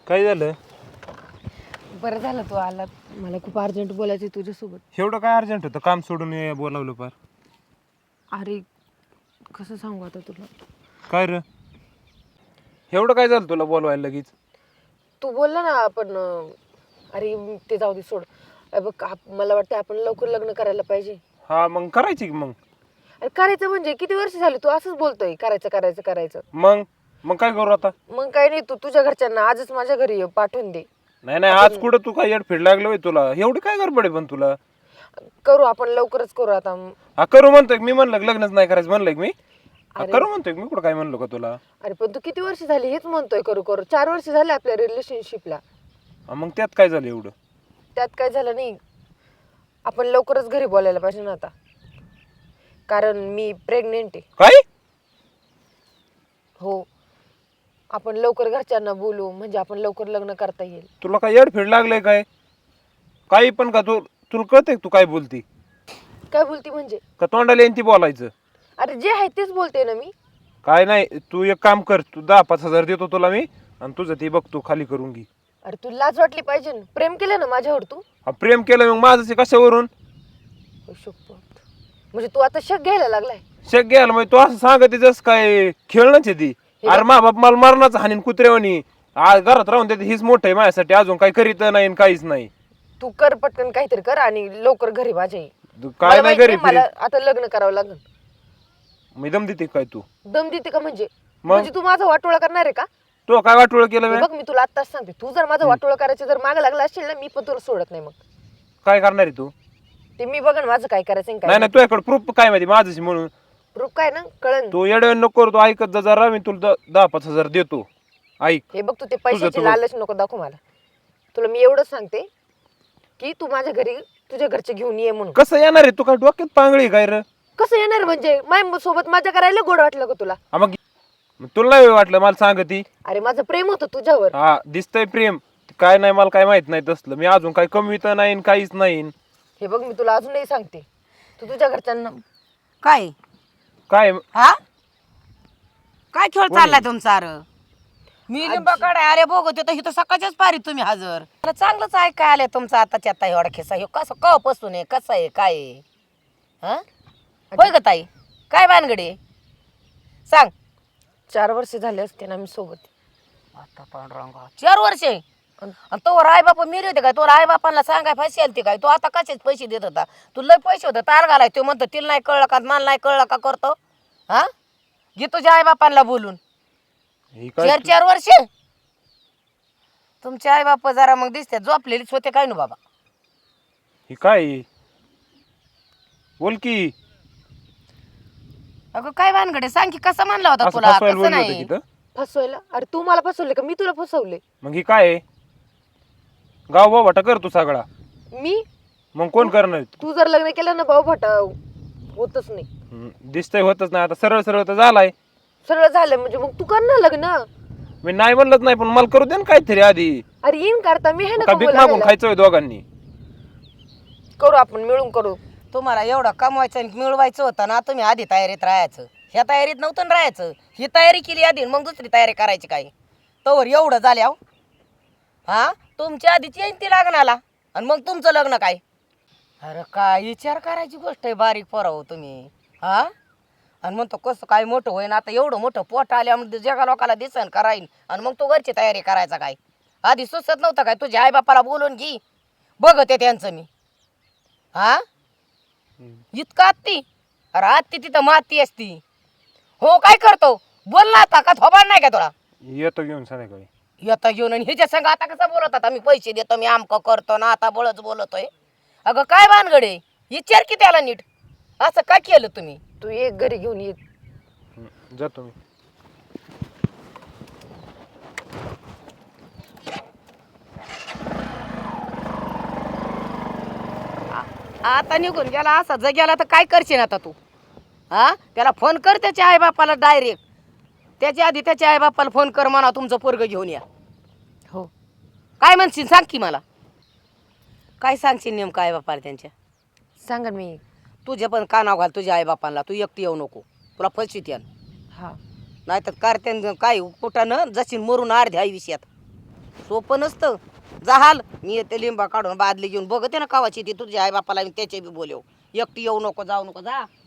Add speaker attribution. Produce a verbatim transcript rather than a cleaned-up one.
Speaker 1: काय झालं?
Speaker 2: बरं झालं तू आला. मला खूप अर्जंट बोलायचं आहे तुझ्यासोबत.
Speaker 1: एवढं काय अर्जंट होतं? काम सोडून ये बोलावलं पार.
Speaker 2: अरे कसं सांगू आता तुला.
Speaker 1: काय र एवढं काय झालं तुला बोलवायला लगेच?
Speaker 2: तू बोलला ना आपण अं, अरे ते जाऊ दे सोड. अरे बघ आप- मला वाटतं आपण लवकर लग्न करायला पाहिजे.
Speaker 1: हा मग करायची की मग.
Speaker 2: अरे करायचं म्हणजे किती वर्ष झाली तू असंच बोलतोय करायचं करायचं करायचं.
Speaker 1: मग मग काय करू आता?
Speaker 2: मग काही नाही, तू तुझ्या घरच्यांना आजच माझ्या घरी ये, पाठवून दे.
Speaker 1: नाही नाही आज कुठं तू काय येडफेड लागलं होय तुला? एवढी काय गडबड आहे पण तुला?
Speaker 2: करू आपण लवकरच करू आता.
Speaker 1: हा करू म्हणतोय मी, म्हणलं की लग्नच नाही करायचं म्हणलंय की मी. हा,
Speaker 2: अरे.
Speaker 1: करू म्हणतोय मी, कुठं काय म्हणलो का तुला?
Speaker 2: अरे पण तू किती वर्ष झाली हेच म्हणतोय करू करू. चार वर्ष झाले आपल्या रिलेशनशिपला.
Speaker 1: हा, मग त्यात काय झालं एवढं?
Speaker 2: त्यात काय झालं नाही. आपण लवकरच घरी बोलायला पाहिजे ना आता, कारण मी प्रेग्नेंट आहे.
Speaker 1: काय?
Speaker 2: हो, आपण लवकर घरच्यांना बोलू म्हणजे आपण लवकर लग्न करता येईल.
Speaker 1: तुला काय येडफेड लागलंय काय? काही पण का तू, तुला कळतंय तू काय बोलती?
Speaker 2: काय बोलती म्हणजे?
Speaker 1: का तोंडाला येईन ती बोलायचं?
Speaker 2: अरे जे आहे तेच बोलते ना मी.
Speaker 1: काय नाही, तू एक काम कर, तू दहा पाच हजार देतो तुला मी, आणि तुझं ते बघ तू खाली करून घे.
Speaker 2: अरे तू लाज वाटली पाहिजे ना, प्रेम केलं ना माझ्यावर तू.
Speaker 1: हा, प्रेम केलं मग माझं ते कशावरून?
Speaker 2: शपथ. म्हणजे तू आता शक घ्यायला लागलाय.
Speaker 1: शेक घ्यायला म्हणजे तू असं सांगते जस काय खेळणंच आहे ती. अरे मा बाप मला मरणाचं हानीन कुत्र्यावानी. आज घरात राहून देते हीच मोठं आहे माझ्यासाठी, अजून काही करीत नाही आणि काहीच नाही.
Speaker 2: तू कर पटकन काहीतरी कर आणि लवकर घरी माझ्या ये.
Speaker 1: तू काय
Speaker 2: मला
Speaker 1: नाही
Speaker 2: माहिती
Speaker 1: घरी
Speaker 2: आहे, मला आता लग्न करावं लागेल.
Speaker 1: मी दम देते काय तू?
Speaker 2: दम देते का म्हणजे?
Speaker 1: मग?
Speaker 2: म्हणजे तू माझा वाटोळा करणार आहे का?
Speaker 1: तू काय वाटोळ केलं मी?
Speaker 2: बघ मी तुला आत्ताच सांगते, तू जर माझं वाटोळा करायचं जर मागे लागला असेल ना, मी पण तुला सोडत नाही. मग
Speaker 1: काय करणार आहे तू?
Speaker 2: ते मी बघन माझं काय करायचं आणि
Speaker 1: नाही
Speaker 2: काय
Speaker 1: नाही, तुझ्याकडे प्रूफ काय माहिती माझ्याशी म्हणून?
Speaker 2: प्रूफ काय ना कळन.
Speaker 1: तू येडवे नको करू, तू ऐकत जा जरा, मी तुला द- दहा पाच हजार देतो. ऐक.
Speaker 2: हे बघ तू ते पैशाची
Speaker 1: तुझं-
Speaker 2: लालच नको दाखव मला. तुला मी एवढंच सांगते की तू माझ्या घरी तुझ्या घरचे घेऊन ये म्हणून.
Speaker 1: कसं येणार आहे? तू काय डोक्यात पांगळी काय र?
Speaker 2: कसं येणार म्हणजे? माझ्या सोबत माझ्या करायला गोड वाटलं का तुला?
Speaker 1: हा, मग मग तुला नाही वाटलं मला सांगती?
Speaker 2: अरे माझं प्रेम होतं तुझ्यावर.
Speaker 1: हा दिसतंय प्रेम. काय नाही मला काय माहित नाही तसलं. मी अजून काय कमी तर नाही आणि काहीच नाही.
Speaker 2: हे बघ मी तुला अजूनही सांगते, तू तुझ्या घरच्यांना.
Speaker 3: काय
Speaker 1: काय
Speaker 3: हा काय खेळ चाललाय तुमचा? अरे मी लिंबाकडे अरे बघत होतो इथं सकाळच्याच पारी तुम्ही हजर. मला चांगलंच ऐकाय आलंय तुमचं आताच्या आता एवढा खेसा हे कसं कवापासून आहे, कसं आहे, काय आहे? हा होय ग ताई, काय भानगडी सांग.
Speaker 2: चार वर्ष झाले असते ना मी सोबत.
Speaker 3: आता पांडुरंगा चार वर्षे आणि तो आई बापा मिरी होते काय? तो आई बापांना सांगाय फाशी आलती काय? तो आता कशाच पैसे देत होता? तू लय पैसे होते तार घालाय. तो म्हणतो तिला नाही कळलं का, मला नाही कळलं का करतो? हा घे तुझ्या आई बापांना बोलून.
Speaker 1: हे काय?
Speaker 3: चार चार वर्ष तुमचे आई बाप जरा मग दिसते झोपलेलीच होते काय ना बाबा.
Speaker 1: हे काय? बोल की.
Speaker 3: अगं काय भानगडे सांग की, कसं म्हणला होता
Speaker 1: असं
Speaker 3: तुला?
Speaker 1: फसवायला
Speaker 3: कसं
Speaker 1: बोललो होतं
Speaker 3: नाही
Speaker 1: की इथं?
Speaker 2: फसवायला? अरे तू मला फसवले का मी तुला फसवले?
Speaker 1: मग हे काय आहे? गाव बाबाटा कर तू सगळा.
Speaker 2: मी?
Speaker 1: मग कोण करणार?
Speaker 2: तू जर लग्न केलं ना भाऊ भटा होतच नाही.
Speaker 1: हम्म, दिसतंय होतच नाही. आता सरळ सरळ तर झालाय.
Speaker 2: सरळ झालं म्हणजे मग तू कर ना लग्न.
Speaker 1: मी नाही म्हणलंच नाही, पण मला करू दे ना काहीतरी आधी.
Speaker 2: अरे येईन करता मी आहे ना
Speaker 1: का भीक
Speaker 2: कमवायला
Speaker 1: मागून
Speaker 2: गेला.
Speaker 1: खायचं होय दोघांनी?
Speaker 2: करू आपण मिळून करू.
Speaker 3: तुम्हाला एवढं कमवायचं आणि मिळवायचं होतं ना, तुम्ही आधी तयारीत राहायचं. ह्या तयारीत नव्हतं ना राहायचं. ही तयारी केली आधी मग दुसरी तयारी करायची काय? तोवर एवढं झाल्या हा तुमच्या आधीच येईन ती लग्नाला आणि मग तुमचं लग्न काय? अरे काय विचार करायची गोष्ट आहे बारीक पोराव तुम्ही. हा आणि म्हणतो कसं काय मोठं होईन आता, एवढं मोठं पोट आल्यामध्ये जगा लोकाला दिसन कराईन आणि मग तो घरची तयारी करायचा काय? आधी सुचत नव्हतं काय? तुझ्या आईबापाला बोलून घे बघते त्यांचं मी. हा इतका आत्ती? अरे आत्ती तिथं माती असती. हो काय करतो बोल ना आता, का थोबाड नाही का तुला?
Speaker 1: येतो घेऊन संध्याकाळी.
Speaker 3: येता घेऊन आणि ह्याच्या संग आता कसं बोलत आता? मी पैसे देतो, मी आमकं करतो ना, आता बळच बोलतोय. अगं काय भानगडे विचार की त्याला नीट. असं काय केलं तुम्ही?
Speaker 2: तू एक घरी घेऊन ये.
Speaker 1: हम्म, जातो मी.
Speaker 3: आता निघून गेला असा जग्याला तर काय करशील आता तू? हा त्याला फोन कर त्याच्या आईबापाला डायरेक्ट. त्याच्या आधी त्याच्या आईबापाला फोन कर म्हणा तुमचं पोरग घेऊन या.
Speaker 2: हो
Speaker 3: काय म्हणशील सांग की मला. काय सांगशील नेमकं आईबापाला त्यांच्या?
Speaker 2: सांगा मी.
Speaker 3: तुझ्या पण कानाव घाल तुझ्या आईबापांना. तू एकटी येऊ नको, तुला फसवीत यान.
Speaker 2: हा
Speaker 3: नाहीतर कारत्यान काय कुठं न जशी मरून अर्ध्या आयुष्यात. सोपं नसतं. जहाल मी येते लिंबा काढून बादली घेऊन बघते ना कावाची ती तुझ्या आई बापाला त्याचे बी बोलव. एकटी येऊ नको जाऊ नको जा.